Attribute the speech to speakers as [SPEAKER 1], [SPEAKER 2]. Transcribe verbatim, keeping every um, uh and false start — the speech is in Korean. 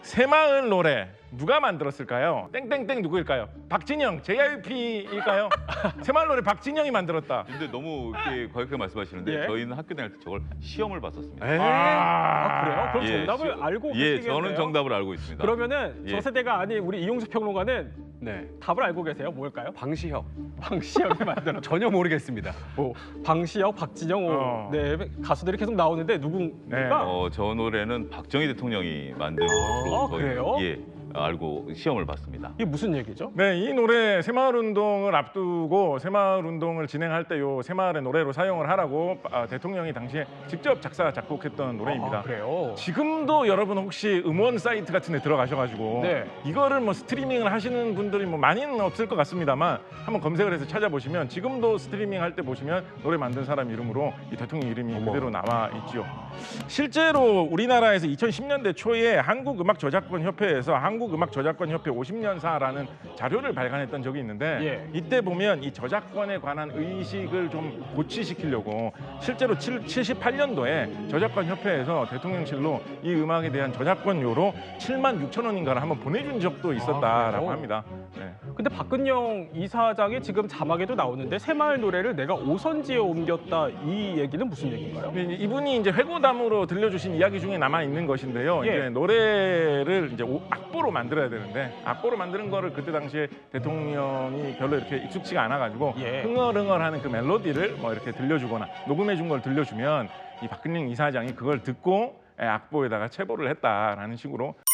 [SPEAKER 1] 새마을 노래 누가 만들었을까요? 땡땡땡 누구일까요? 박진영, 제이아이피일까요? 새마을 노래 박진영이 만들었다.
[SPEAKER 2] 근데 너무 이렇게 과격하게 말씀하시는데
[SPEAKER 3] 예.
[SPEAKER 2] 저희는 학교 다닐 때 저걸 시험을 봤었습니다.
[SPEAKER 3] 에이, 아, 그래요? 그럼
[SPEAKER 2] 예,
[SPEAKER 3] 정답을
[SPEAKER 2] 시-
[SPEAKER 3] 알고
[SPEAKER 2] 예,
[SPEAKER 3] 계시겠네요?
[SPEAKER 2] 저는 정답을 알고 있습니다.
[SPEAKER 3] 그러면은
[SPEAKER 2] 예.
[SPEAKER 3] 저 세대가 아닌 우리 이용수 평론가는
[SPEAKER 4] 네.
[SPEAKER 3] 답을 알고 계세요? 뭘까요?
[SPEAKER 4] 방시혁.
[SPEAKER 3] 방시혁이 만들었
[SPEAKER 4] 전혀 모르겠습니다.
[SPEAKER 3] 뭐 방시혁, 박진영
[SPEAKER 1] 어.
[SPEAKER 3] 네 가수들이 계속 나오는데 누군가
[SPEAKER 1] 네.
[SPEAKER 2] 어, 저 노래는 박정희 대통령이 만든 것으로
[SPEAKER 3] 아,
[SPEAKER 2] 저희-
[SPEAKER 3] 그래요?
[SPEAKER 2] 예, 알고 시험을 봤습니다.
[SPEAKER 3] 이게 무슨 얘기죠?
[SPEAKER 1] 네, 이 노래 새마을 운동을 앞두고 새마을 운동을 진행할 때 요 새마을의 노래로 사용을 하라고 아, 대통령이 당시에 직접 작사 작곡했던 노래입니다.
[SPEAKER 3] 아, 그래요?
[SPEAKER 1] 지금도 여러분 혹시 음원 사이트 같은 데 들어가셔가지고
[SPEAKER 3] 네.
[SPEAKER 1] 이거를 뭐 스트리밍을 하시는 분들이 뭐 많이는 없을 것 같습니다만 한번 검색을 해서 찾아보시면 지금도 스트리밍 할 때 보시면 노래 만든 사람 이름으로 이 대통령 이름이
[SPEAKER 3] 어머.
[SPEAKER 1] 그대로 나와 있지요. 실제로 우리나라에서 이천십 년대 초에 한국음악저작권협회에서 한국음악저작권협회 오십 년사라는 자료를 발간했던 적이 있는데
[SPEAKER 3] 예.
[SPEAKER 1] 이때 보면 이 저작권에 관한 의식을 좀 고취시키려고 실제로 칠십팔 년도에 저작권협회에서 대통령실로 이 음악에 대한 저작권료로 칠만 육천 원인가를 한번 보내준 적도 있었다라고
[SPEAKER 3] 그래요?
[SPEAKER 1] 합니다. 네.
[SPEAKER 3] 근데 박근영 이사장이 지금 자막에도 나오는데 새마을 노래를 내가 오선지에 옮겼다 이 얘기는 무슨 얘기인가요?
[SPEAKER 1] 근데 이제 이분이 이제 회고담으로 들려주신 이야기 중에 남아 있는 것인데요.
[SPEAKER 3] 예.
[SPEAKER 1] 이제 노래를 이제 오- 악보로 만들어야 되는데 악보로 만드는 거를 그때 당시에 대통령이 별로 이렇게 익숙치가 않아가지고
[SPEAKER 3] 예.
[SPEAKER 1] 흥얼흥얼하는 그 멜로디를 뭐 이렇게 들려주거나 녹음해 준 걸 들려주면 이 박근영 이사장이 그걸 듣고 예, 악보에다가 체보를 했다라는 식으로.